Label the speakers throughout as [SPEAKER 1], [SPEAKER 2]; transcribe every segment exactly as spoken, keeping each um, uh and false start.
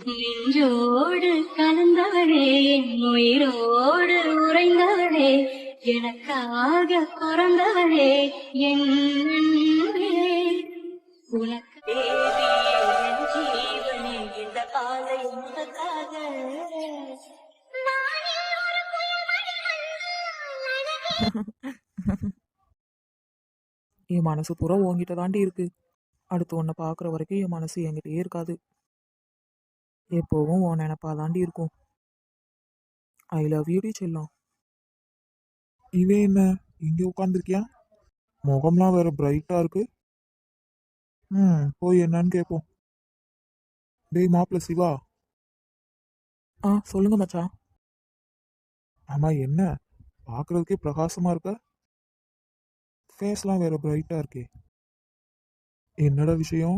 [SPEAKER 1] நெஞ்சோடு கலந்தவளே, என் உயிரோடு உறைந்தவளே, எனக்காக பிறந்தவளே, என் அன்பே. உனக்கு தேவியே என் ஜீவனே, இந்த பாதை உனக்காக.
[SPEAKER 2] என் மனசு பூரா உன்கிட்ட தாண்டி இருக்கு. அடுத்து உன்னை பார்க்குற வரைக்கும் என் மனசு என்கிட்டயே இருக்காது. எப்போவும் உன் நினப்பா தாண்டி இருக்கும். ஐ லவ் யூ டி செல்லம்.
[SPEAKER 3] இவன் என்ன இங்க உட்காந்துருக்கியா? முகம்லாம் வேற பிரைட்டா இருக்கு. ம் போய் என்னன்னு கேட்போம். டேய் மாப்பிள்ள சிவா.
[SPEAKER 2] ஆ சொல்லுங்க மச்சான்.
[SPEAKER 3] ஆமா என்ன பார்க்கறதுக்கே பிரகாசமா இருக்க. ஃபேஸ்லாம் வேற பிரைட்டா இருக்கே. என்னடா விஷயம்?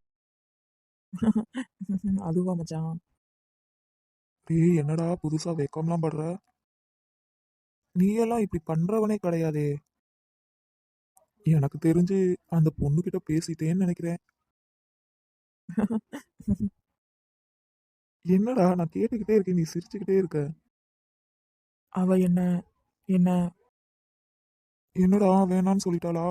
[SPEAKER 2] அதுவா மச்சான்,
[SPEAKER 3] டேய் என்னடா புதுசா வெக்கம்லாம் படுற? நீ எல்லாம் இப்படி பண்றவனே கிடையாதே. எனக்கு தெரிஞ்சு அந்த பொண்ணுகிட்ட பேசிட்டேன்னு நினைக்கிறேன். என்னடா நான் கேட்டுக்கிட்டே இருக்கேன், நீ சிரிச்சுக்கிட்டே இருக்க.
[SPEAKER 2] அவ என்ன என்ன
[SPEAKER 3] என்னடா வேணான்னு சொல்லிட்டாளா?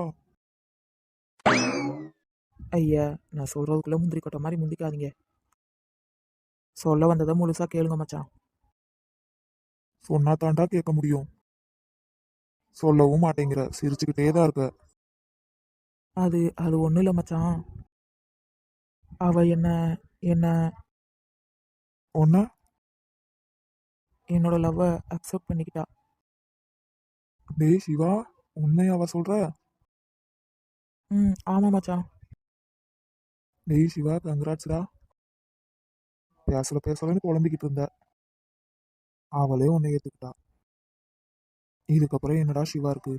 [SPEAKER 2] ஐயா, நான் சொல்றதுக்குள்ள முந்திரி கொட்டை மாதிரி முந்திக்காதீங்க. சொல்ல வந்ததை முழுசா கேளுங்க மச்சான்.
[SPEAKER 3] சொன்னா தாண்டா கேட்க முடியும். சொல்லவும் மாட்டேங்கிற, சிரிச்சுக்கிட்டே தான் இருக்க.
[SPEAKER 2] அது அது ஒன்றும் இல்லை மச்சான். அவ என்ன என்ன
[SPEAKER 3] ஒன்ன
[SPEAKER 2] என்னோட லவ்வை அக்செப்ட் பண்ணிக்கிட்டா.
[SPEAKER 3] டேய் சிவா, உண்மையாவா சொல்ற?
[SPEAKER 2] ம் ஆமாம் மச்சான்.
[SPEAKER 3] டேய் சிவா, கங்க்ராட்ஸ்டா. பேசல பேசலன்னு புலம்பிக்கிட்டு இருந்த, அவளே உன்னை ஏத்துக்கிட்டா. இதுக்கப்புறம் என்னடா சிவா இருக்கு?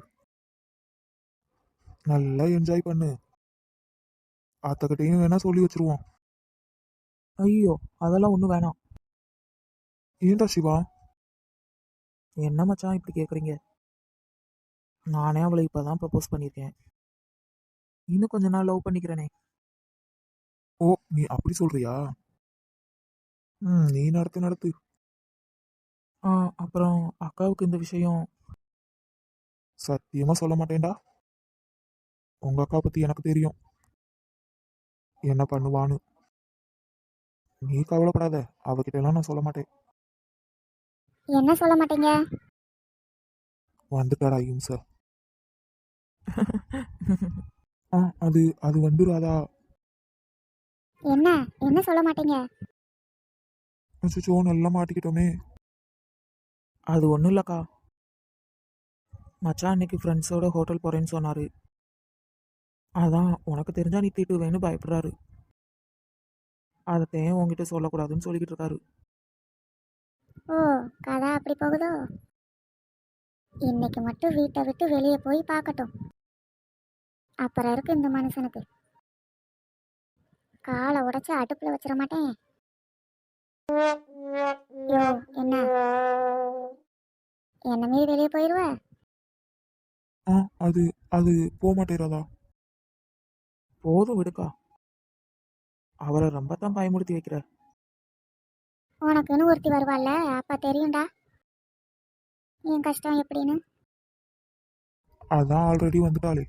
[SPEAKER 3] நல்லா என்ஜாய் பண்ணு. அத்தக்கிட்டையும் வேணா சொல்லி வச்சிருவோம்.
[SPEAKER 2] ஐயோ, அதெல்லாம் ஒன்றும் வேணாம்.
[SPEAKER 3] ஏன்டா சிவா?
[SPEAKER 2] என்ன மச்சான் இப்படி கேட்குறீங்க? நானே அவளை இப்போ தான் ப்ரப்போஸ் பண்ணியிருக்கேன். இன்னும் கொஞ்ச நாள் லவ் பண்ணிக்கிறேனே.
[SPEAKER 3] ஓ நீ அப்படி சொல்றியா? ம் நீ நடத்து நடத்து.
[SPEAKER 2] ஆ அப்புறம் அக்காவுக்கு இந்த விஷயம்.
[SPEAKER 3] சத்தியமா சொல்ல மாட்டேன்டா. உங்க அக்கா பத்தி எனக்கு தெரியும், என்ன பண்ணுவான்னு. நீ கவலைப்படாத, அவகிட்ட எல்லாம் நான் சொல்ல மாட்டேன்.
[SPEAKER 4] என்ன சொல்ல மாட்டீங்க?
[SPEAKER 3] வந்துட்டாடா இம்ச. ஆ அது அது வந்து ராதா.
[SPEAKER 4] என்ன என்ன சொல்ல மாட்டீங்க?
[SPEAKER 3] அச்சோ நல்லா மாட்டிக்கிட்டோமே.
[SPEAKER 2] அது ஒன்றும் இல்லைக்கா. மச்சான் அன்னைக்கு ஃப்ரெண்ட்ஸோட ஹோட்டல் போகிறேன்னு சொன்னார். அதான் உனக்கு தெரிஞ்சா நீ திட்டுவேன்னு பயப்படுறாரு. அதைத்தையும் உங்ககிட்ட சொல்லக்கூடாதுன்னு சொல்லிக்கிட்டு இருக்காரு.
[SPEAKER 4] ஓ, கதை அப்படி போகுதோ? இன்னைக்கு மட்டும் வீட்டை விட்டு வெளியே போய் பார்க்கட்டும். அப்புறம் இருக்கு இந்த மனுஷனுக்கு. காலை உடைச்சு அடுப்புல வச்சிட மாட்டேன். யோ என்ன என்ன மீறி வெளியே போயிடுவ?
[SPEAKER 3] ஆ அது அது போக மாட்டேறாதா.
[SPEAKER 2] போதும் விடுக்கா, அவரை ரொம்ப தான் பயமுறுத்தி வைக்கிற.
[SPEAKER 4] உனக்குன்னு ஒருத்தி வருவாள்ல, அப்ப தெரியும்டா என் கஷ்டம் எப்படின்னு.
[SPEAKER 3] அதான் ஆல்ரெடி வந்துட்டாளே.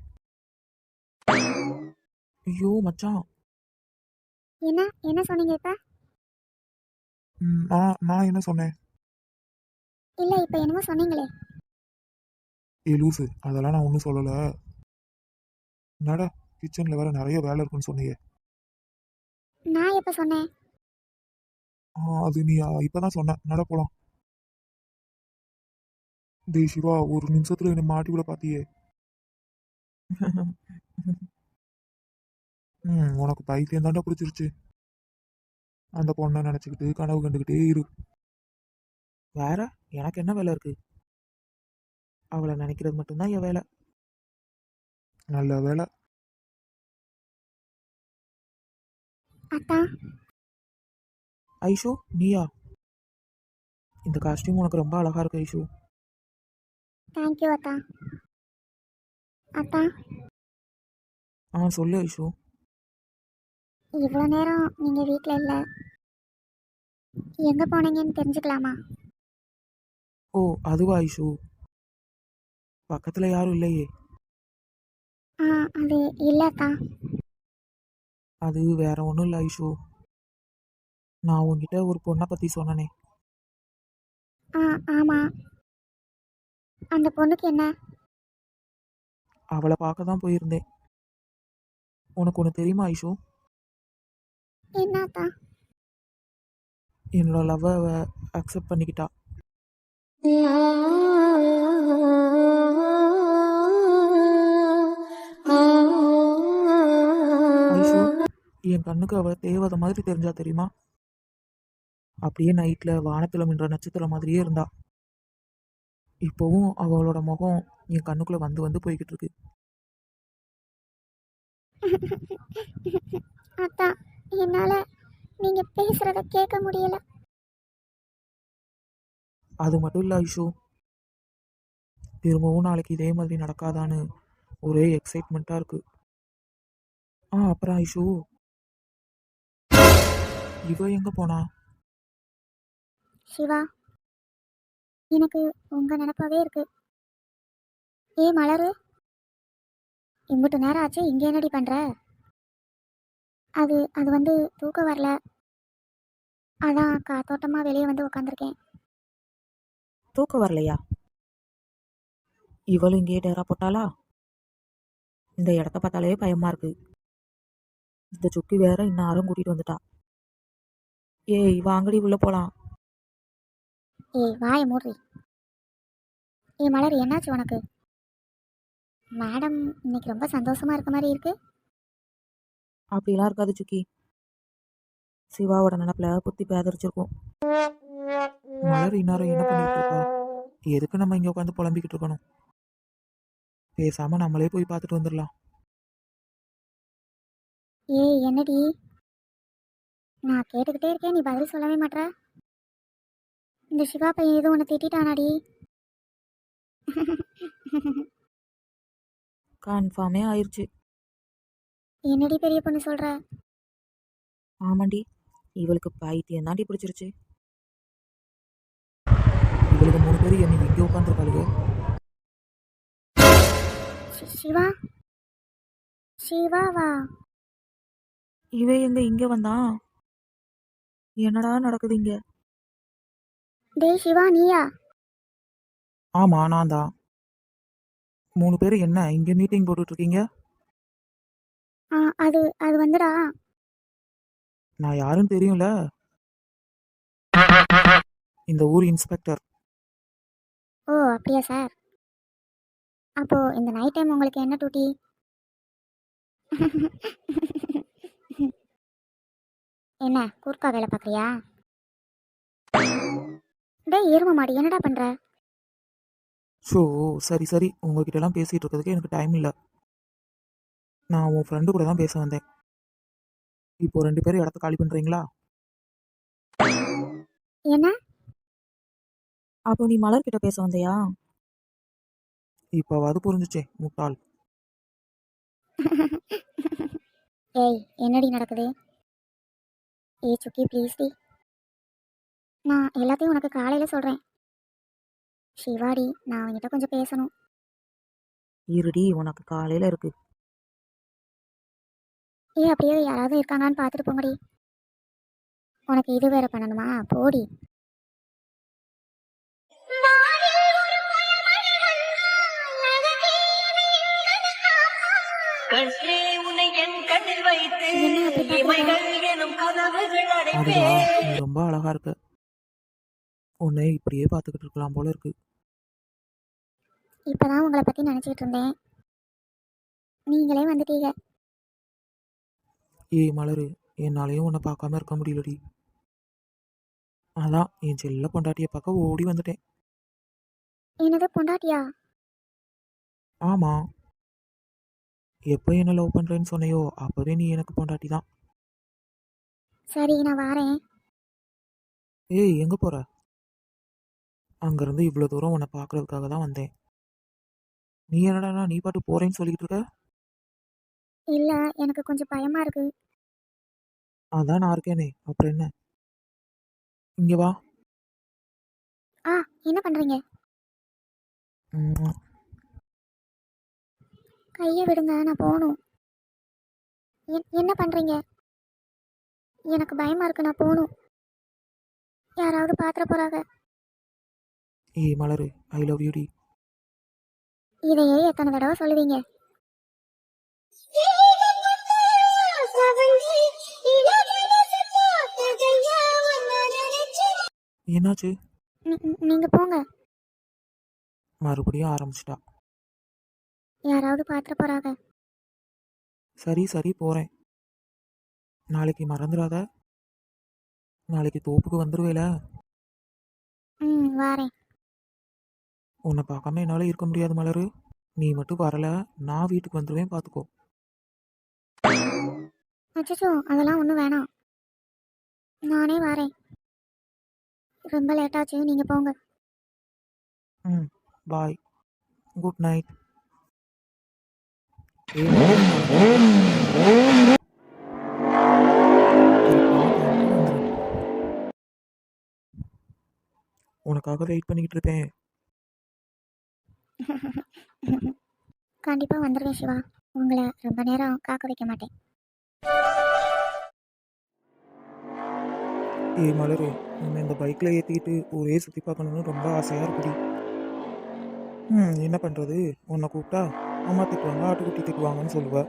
[SPEAKER 2] ஐயோ மச்சான்.
[SPEAKER 4] என்ன என்ன சொன்னீங்க இப்ப?
[SPEAKER 3] ம், நான் நான் என்ன சொன்னேன்?
[SPEAKER 4] இல்ல இப்ப என்னமோ சொன்னீங்களே.
[SPEAKER 3] ஏ லூசு, அதெல்லாம் நான் ஒன்றும் சொல்லலை. என்னடா கிச்சனில் வேற நிறைய வேலை இருக்குன்னு சொன்னீங்க.
[SPEAKER 4] நான் எப்ப சொன்னேன்?
[SPEAKER 3] ஆ அது நீ இப்பதான் சொன்ன. நட போலாம். டேய் சிவா, ஒரு நிமிஷத்துல என்னை மாட்டி விட பாத்தியே. ம் உனக்கு பைத்தியம் தாண்டா பிடிச்சிருச்சு. அந்த பொண்ணை நினச்சிக்கிட்டு கனவு கண்டுக்கிட்டே இரு.
[SPEAKER 2] வேற எனக்கு என்ன வேலை இருக்கு? அவளை நினைக்கிறது மட்டும்தான் என் வேலை.
[SPEAKER 3] நல்ல வேலை.
[SPEAKER 4] அத்தா.
[SPEAKER 2] ஐஷு நீயா? இந்த காஸ்டியூம் உனக்கு ரொம்ப அழகா இருக்கு ஐஷு.
[SPEAKER 4] தேங்க்யூ அத்தா. அத்தா,
[SPEAKER 2] ஆ சொல்லு ஐஷு.
[SPEAKER 4] இவ்வளோ நேரம் நீங்கள் வீட்டில் இல்லை, எங்கே போனீங்கன்னு தெரிஞ்சுக்கலாமா?
[SPEAKER 2] ஓ அதுவா ஐஷு? பக்கத்தில் யாரும் இல்லையே.
[SPEAKER 4] ஆ அது இல்லைக்கா.
[SPEAKER 2] அது வேற ஒன்றும் இல்லை ஐஷு. நான் உன்கிட்ட ஒரு பொண்ணை பற்றி சொன்னனே,
[SPEAKER 4] ஆ ஆமாம். அந்த பொண்ணுக்கு என்ன?
[SPEAKER 2] அவளை பார்க்க தான் போயிருந்தேன். உனக்கு ஒன்று தெரியுமா ஐஷு?
[SPEAKER 4] என்னக்கா?
[SPEAKER 2] என்னோட லவ்வை அக்செப்ட் பண்ணிக்கிட்டா. ஐஷு, என் கண்ணுக்கு அவள் தேவதை மாதிரி தெரிஞ்சா தெரியுமா? அப்படியே நைட்டில் வானத்தில் மின்ற நட்சத்திரம் மாதிரியே இருந்தா. இப்போவும் அவளோட முகம் என் கண்ணுக்குள்ளே வந்து வந்து போய்கிட்டு இருக்கு.
[SPEAKER 4] அக்கா, என்னால் நீங்கள் பேசுகிறத கேட்க முடியல.
[SPEAKER 2] அது மட்டும் இல்லை ஐஷு, திரும்பவும் நாளைக்கு இதே மாதிரி நடக்காதான்னு ஒரே எக்ஸைட்மெண்ட்டாக இருக்கு. ஆ அப்புறம் ஐஷு, இவ எங்கே போனா?
[SPEAKER 4] சிவா, எனக்கு உங்கள் நினப்பாவே இருக்கு. ஏ மலரு, இம்புட்டு நேரம் ஆச்சு, இங்கே என்னடி பண்ணுற? அது அது வந்து தூக்கம் வரல, அதான் காத்தோட்டமாக வெளியே வந்து உட்காந்துருக்கேன்.
[SPEAKER 2] தூக்கம் வரலையா? இவளும் இங்கேயே டேரா போட்டாளா? இந்த இடத்த பார்த்தாலே பயமா இருக்கு. இந்த சுக்கி வேற இன்னாரும் கூட்டிட்டு வந்துட்டா. ஏய் வாங்கடி உள்ள போலாம்.
[SPEAKER 4] ஏய் வாய மூடி. ஏ மலர், என்னாச்சு உனக்கு? மேடம் இன்னைக்கு ரொம்ப சந்தோஷமா இருக்க மாதிரி இருக்கு.
[SPEAKER 2] அப்படிலாம் இருக்காது சுக்கி, சிவாவோட நினப்புல புத்தி பேதரிச்சிருக்கும். மலர் இன்னாரம் என்ன பண்ணிட்டு இருக்கா? எதுக்கு நம்ம இங்க உட்காந்து புலம்பிக்கிட்டு இருக்கணும்? பேசாம நம்மளே போய் பார்த்துட்டு வந்துடலாம்.
[SPEAKER 4] ஏய் என்னடி, நான் கேட்டுக்கிட்டே இருக்கேன், நீ பதில் சொல்லவே மாட்ற. இந்த சிவா பையன் எதுவும் உன்னை திட்டானாடி?
[SPEAKER 2] கன்ஃபார்மே ஆயிடுச்சு.
[SPEAKER 4] என்னடி பெரிய பொண்ணு சொல்ற?
[SPEAKER 2] ஆமாண்டி, இவளுக்கு பைத்தியம் தாண்டி பிடிச்சிருச்சு. இவளுக்கு மூணு பேர் என்னை இங்கே உட்காந்துருக்காளுங்க.
[SPEAKER 4] சி- சிவா சிவாவா?
[SPEAKER 2] இவன் எங்க இங்க வந்தான்? என்னடா நடக்குது இங்க?
[SPEAKER 4] டேய் சிவா, நீயா?
[SPEAKER 2] ஆமா நான் தான். மூணு பேர் என்ன இங்க மீட்டிங் போட்டுட்டு இருக்கீங்க?
[SPEAKER 4] ஆ அது அது வந்துடா.
[SPEAKER 2] நான் யாருன்னு தெரியும்ல, இந்த ஊர் இன்ஸ்பெக்டர்.
[SPEAKER 4] ஓ அப்படியா சார்? அப்போ இந்த நைட் டைம் உங்களுக்கு என்ன டூட்டி? என்ன கூர்க்கா வேலை பார்க்குறியா? டேய் எரும மாடி, என்னடா பண்ற?
[SPEAKER 2] ஸோ சரி சரி, உங்ககிட்ட எல்லாம் பேசிட்டு இருக்கிறதுக்கு எனக்கு டைம் இல்லை. நான் உன் ஃப்ரெண்டு கூட தான் பேச வந்தேன். இப்போ ரெண்டு பேரும் இடத்த காலி பண்றீங்களா?
[SPEAKER 4] என்ன?
[SPEAKER 2] அப்போ நீ மலர் கிட்ட பேச வந்தியா? இப்போவாது புரிஞ்சுச்சே முட்டாள்.
[SPEAKER 4] ஏய் என்னடி நடக்குது? ஏய் சுக்கி ப்ளீஸ் டி, நான் எல்லாத்தையும் உனக்கு காலையில் சொல்கிறேன். சிவாடி, நான் அவன்கிட்ட கொஞ்சம் பேசணும்.
[SPEAKER 2] இருடி, உனக்கு காலையில இருக்கு.
[SPEAKER 4] ஏய் அப்படியே யாராவது இருக்காங்கன்னு பார்த்துட்டு போங்கடி. உனக்கு இது வேற பண்ணணுமா? போடி.
[SPEAKER 1] கண்ணே உன்னை என் கண்ணில் வைத்து
[SPEAKER 4] என்ன அப்படி பார்க்கற?
[SPEAKER 1] இமைகள் எனும் கதவுகள்
[SPEAKER 2] அதுவா,
[SPEAKER 1] அடைப்பேன்.
[SPEAKER 2] நீ ரொம்ப அழகா இருக்க. உன்னை இப்படியே பார்த்துக்கிட்டு இருக்கலாம் போல இருக்கு.
[SPEAKER 4] இப்போதான் உங்களை பற்றி நினச்சிக்கிட்டு இருந்தேன், நீங்களே வந்துட்டீங்க.
[SPEAKER 2] ஏய் மலரு, என்னாலையும் உன்னை பார்க்காம இருக்க முடியலடி. அதான் என் செல்ல பொண்டாட்டியை பார்க்க ஓடி வந்துட்டேன்.
[SPEAKER 4] என்னது பொண்டாட்டியா?
[SPEAKER 2] ஆமா, எப்போ என்ன லவ் பண்றேன்னு சொன்னையோ அப்பவே நீ எனக்கு பொண்டாட்டி தான்.
[SPEAKER 4] சரி நான் வாரேன்.
[SPEAKER 2] ஏய் எங்க போற? அங்கிருந்து இவ்வளோ தூரம் உன்னை பார்க்கறதுக்காக தான் வந்தேன். நீ என்னடா நீ பாட்டு போறேன்னு சொல்லிக்கிட்டு இருக்க?
[SPEAKER 4] இல்லை எனக்கு கொஞ்சம் பயமாக இருக்கு.
[SPEAKER 2] அதான் நான் இருக்கேனே, அப்புறம் என்ன? இங்கே வா.
[SPEAKER 4] ஆ என்ன பண்ணுறீங்க?
[SPEAKER 2] ம்,
[SPEAKER 4] கையை விடுங்க, நான் போகணும். என் என்ன பண்ணுறீங்க? எனக்கு பயமாக இருக்கு, நான் போகணும். யாராவது பாத்திர போகிறாங்க.
[SPEAKER 2] ஏய் மலரு, ஐ லவ் யூ டி.
[SPEAKER 4] இதையே எத்தனை தடவை சொல்லுவீங்க?
[SPEAKER 2] என்னாச்சு?
[SPEAKER 4] நீங்கள் போங்க.
[SPEAKER 2] மறுபடியும் ஆரம்பிச்சிட்டா.
[SPEAKER 4] யாராவது பாத்திர போகிறாங்க.
[SPEAKER 2] சரி சரி போகிறேன். நாளைக்கு மறந்துடாத. நாளைக்கு தோப்புக்கு வந்துடுவேல.
[SPEAKER 4] ம் வாரேன்.
[SPEAKER 2] உன்னை பார்க்காம என்னால் இருக்க முடியாது மலரு. நீ மட்டும் வரல, நான் வீட்டுக்கு வந்துடுவேன், பார்த்துக்கோ.
[SPEAKER 4] அச்சச்சோ, அதெல்லாம் ஒன்றும் வேணாம். நானே வரேன். ரொம்ப லேட்டாச்சு, நீங்கள் போங்க.
[SPEAKER 2] ம் பாய். Good night. உனக்காக வெயிட் பண்ணிக்கிட்டு இருப்பேன்.
[SPEAKER 4] கண்டிப்பாக வந்துடுவேன் சிவா. உங்களை ரொம்ப நேரம் காக்க வைக்க மாட்டேன்.
[SPEAKER 2] ஏய் மலரு, உன்னை இந்த பைக்கில் ஏற்றிக்கிட்டு ஒரே சுற்றி பார்க்கணுன்னு ரொம்ப ஆசையாக இருக்குடி. ம் என்ன பண்ணுறது, உன்னை கூப்பிட்டா அம்மா திட்டுவாங்க, ஆட்டுக்குட்டி திட்டுவாங்கன்னு சொல்லுவேன்.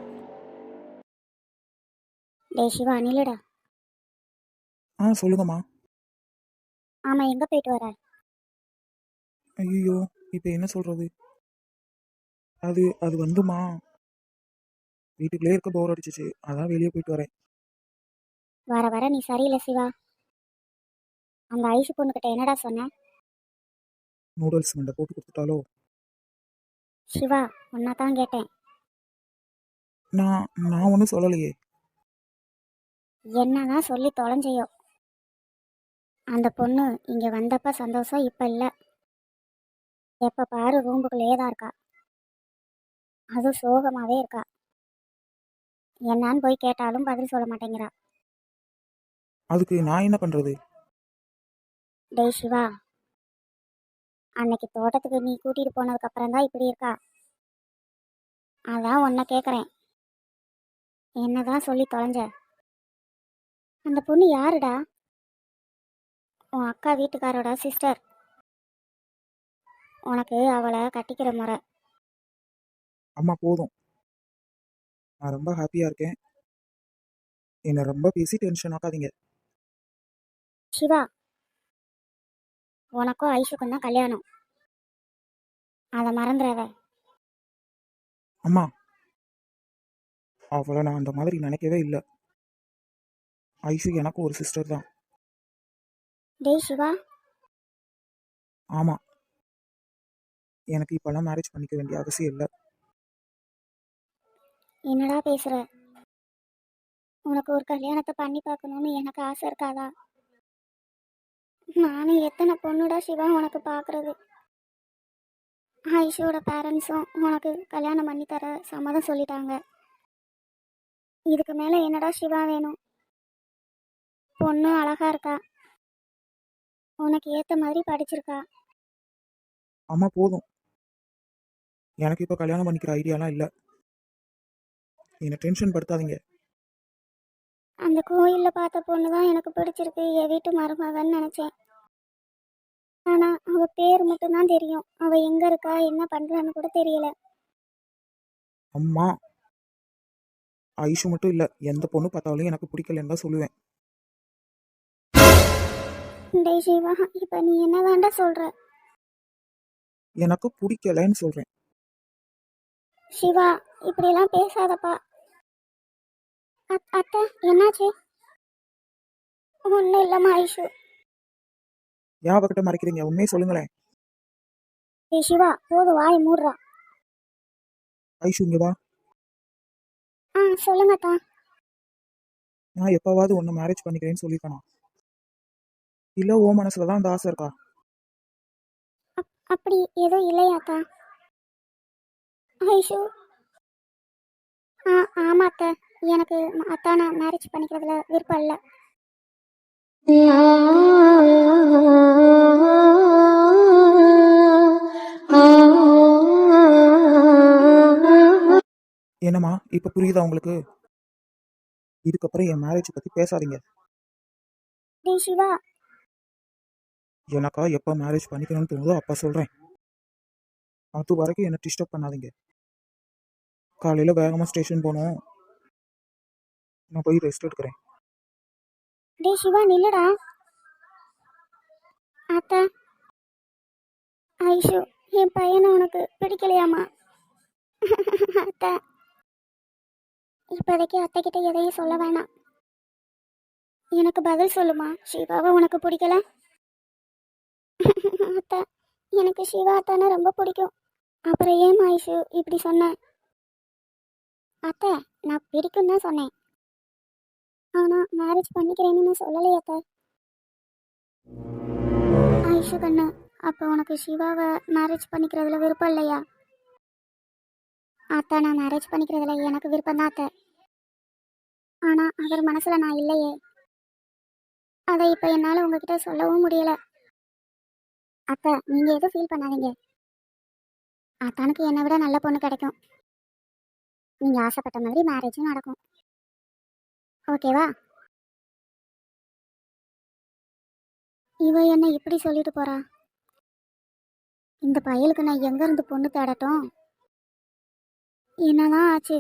[SPEAKER 4] டேய் சிவா, நில்லுடா.
[SPEAKER 2] ஆ சொல்லுங்கம்மா.
[SPEAKER 4] ஆமாம், எங்கே போயிட்டு வர?
[SPEAKER 2] ஐயோ, இப்போ என்ன சொல்கிறது? அது அது வந்துமா, வீட்டுக்குள்ளே இருக்க போர் அடிச்சிச்சு, அதான் வெளியே போயிட்டு வரேன்.
[SPEAKER 4] வர வர நீ சரியில்லை சிவா. அந்த ஐசு பொண்ணுக்கிட்ட என்னடா சொன்ன?
[SPEAKER 2] நூடுல்ஸ் மண்டை போட்டு கொடுத்துட்டாலோ?
[SPEAKER 4] சிவா, ஒன்னா தான் கேட்டேன்.
[SPEAKER 2] நான் நான் ஒன்றும் சொல்லலையே.
[SPEAKER 4] என்னதான் சொல்லி தொலைஞ்சையோ. அந்த பொண்ணு இங்கே வந்தப்ப சந்தோஷம் இப்போ இல்லை. எப்போ பாரு ரூம்புக்குள்ளேயே தான் இருக்கா. அதுவும் சோகமாகவே இருக்கா. என்னான்னு போய் கேட்டாலும் பதில் சொல்ல மாட்டேங்கிறா.
[SPEAKER 2] அதுக்கு நான் என்ன பண்ணுறது?
[SPEAKER 4] டேய் சிவா, அன்னைக்கு தோட்டத்துக்கு நீ கூட்டிகிட்டு போனதுக்கு அப்புறம் தான் இப்படி இருக்கா. அதான் உன்னை கேட்குறேன், என்னதான் சொல்லி தொலைஞ்ச? அந்த பொண்ணு யாருடா? உன் அக்கா வீட்டுக்காரோட சிஸ்டர். உனக்கு அவளை கட்டிக்கிற முறை.
[SPEAKER 2] அம்மா போதும், நான் ரொம்ப ஹாப்பியாக இருக்கேன். என்னை ரொம்ப பேசி டென்ஷன் ஆக்காதீங்க.
[SPEAKER 4] சிவா, உனக்கும் ஐஷுக்கும் தான் கல்யாணம், அதை மறந்துடாத.
[SPEAKER 2] அம்மா, அவளை நான் அந்த மாதிரி நினைக்கவே இல்லை. ஐஷு எனக்கு ஒரு சிஸ்டர் தான்.
[SPEAKER 4] டேய் சிவா,
[SPEAKER 2] ஆமாம், எனக்கு இப்போல்லாம் மேரேஜ் பண்ணிக்க வேண்டிய அவசியம் இல்லை.
[SPEAKER 4] என்னடா பேசுற? உனக்கு ஒரு கல்யாணத்தை பண்ணி பார்க்கணும்னு எனக்கு ஆசை இருக்காதா? நானும் எத்தனை பொண்ணுடா சிவா உனக்கு பார்க்கறது. ஐஷோட பேரண்ட்ஸும் உனக்கு கல்யாணம் பண்ணி தர சம்மதம் சொல்லிட்டாங்க. இதுக்கு மேலே என்னடா சிவா வேணும்? பொண்ணு அழகா இருக்கா, உனக்கு ஏற்ற மாதிரி படிச்சிருக்கா.
[SPEAKER 2] அம்மா போதும், எனக்கு இப்போ கல்யாணம் பண்ணிக்கிற ஐடியாலாம் இல்லை. என்னை டென்ஷன் படுத்தாதீங்க.
[SPEAKER 4] அந்த கோயிலில் பார்த்த பொண்ணு தான் எனக்கு பிடிச்சிருக்கு, என் வீட்டு மருமகன்னு நினச்சேன். ஆனால் அவள் பேர் மட்டும்தான் தெரியும், அவள் எங்கே இருக்கா என்ன பண்ணுறான்னு கூட தெரியல.
[SPEAKER 2] அம்மா, ஐஷு மட்டும் இல்லை, எந்த பொண்ணு பார்த்தாலும் எனக்கு பிடிக்கலன்னு தான் சொல்லுவேன்.
[SPEAKER 4] டேய் சிவா, இப்போ நீ என்ன தாண்டா சொல்கிற?
[SPEAKER 2] எனக்கு பிடிக்கலன்னு சொல்கிறேன்.
[SPEAKER 4] சிவா, இப்படியெல்லாம் பேசாதப்பா. அத் அத்தை, என்னாச்சு? ஒன்றும் இல்லைம்மா ஐஷு.
[SPEAKER 2] ஏன் அவகிட்ட மறைக்கிறீங்க? உண்மையை சொல்லுங்களேன்.
[SPEAKER 4] டேய் சிவா, போது வாய் மூடுறா.
[SPEAKER 2] ஐஷு இங்கே வா.
[SPEAKER 4] ஆ சொல்லுங்கத்தா.
[SPEAKER 2] நான் எப்போவாவது ஒன்று மேரேஜ் பண்ணிக்கிறேன்னு சொல்லியிருக்கேனா? இல்லை ஓ மனசில் தான் அந்த ஆசை இருக்கா?
[SPEAKER 4] அப் அப்படி எதுவும் இல்லையாத்தா? ஐஷு, ஆ ஆமாம் அத்தை, எனக்கு அத்தானை மேரேஜ் பண்ணிக்கிறதுல விருப்பம் இல்லை.
[SPEAKER 2] இப்போ புரியுதா உங்களுக்கு? இதுக்கப்புறம் என் மேரேஜ் பற்றி பேசாதீங்க.
[SPEAKER 4] டேய் சிவா.
[SPEAKER 2] எனக்கா எப்போ மேரேஜ் பண்ணிக்கணும்னு தோணுதோ அப்போ சொல்கிறேன். அது வரைக்கும் என்னை டிஸ்டர்ப் பண்ணாதீங்க. காலையில் வேகமாக ஸ்டேஷன் போகணும். நான் போய் ரெஸ்ட் எடுக்கிறேன்.
[SPEAKER 4] டேய் சிவா நில்லுடா. அத்தை, ஐஷு என் பையனை உனக்கு பிடிக்கலையாமா? அத்தை, இப்போதைக்கு அத்தை கிட்ட எதையும் சொல்ல வேணாம். எனக்கு பதில் சொல்லுமா, சிவாவை உனக்கு பிடிக்கல? அத்தை, எனக்கு சிவா அத்தானை ரொம்ப பிடிக்கும். அப்புறம் ஏன் ஐஷு இப்படி சொன்னேன்? அத்தை, நான் பிடிக்கும் தான் சொன்னேன். ஆனால் மேரேஜ் பண்ணிக்கிறேன்னு நான் சொல்லலையே அத்தை. ஐஷு கண்ணு, அப்போ உனக்கு சிவாவை மேரேஜ் பண்ணிக்கிறதுல விருப்பம் இல்லையா? அத்தை, நான் மேரேஜ் பண்ணிக்கிறதுல எனக்கு விருப்பம் தான் அத்தை. ஆனால் அவர் மனசில் நான் இல்லையே. அதை இப்போ என்னால் உங்ககிட்ட சொல்லவும் முடியல. அத்தை, நீங்கள் எதுவும் ஃபீல் பண்ணாதீங்க. அத்தானுக்கு என்னை விட நல்ல பொண்ணு கிடைக்கும். நீங்கள் ஆசைப்பட்ட மாதிரி மேரேஜும் நடக்கும். ஓகேவா? இவ என்ன இப்படி சொல்லிட்டு போறா? இந்த பயலுக்கு நான் எங்க இருந்து பொண்ணு தேடட்டும்? என்னதான் ஆச்சு?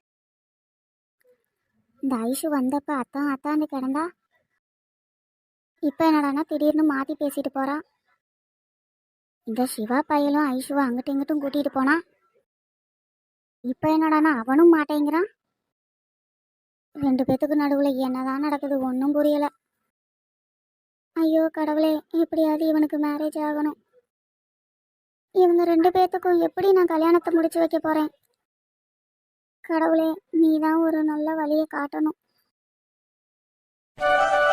[SPEAKER 4] இந்த ஐஷு வந்தப்ப அத்தான் அத்தான்னு கிடந்தா, இப்ப என்னடானா திடீர்னு மாத்தி பேசிட்டு போறா. இந்த சிவா பையலும் ஐஷுவை அங்கிட்டும் இங்கிட்டும் கூட்டிட்டு போனா, இப்ப என்னடானா அவனும் மாட்டேங்கிறான். ரெண்டு பேத்துக்கு நடுவுல என்னதான் நடக்குது ஒன்றும் புரியல. ஐயோ கடவுளே, எப்படியாவது இவனுக்கு மேரேஜ் ஆகணும். இவங்க ரெண்டு பேர்த்துக்கும் எப்படி நான் கல்யாணத்தை முடிச்சு வைக்க போறேன்? கடவுளே, நீ தான் ஒரு நல்ல வழியை காட்டணும்.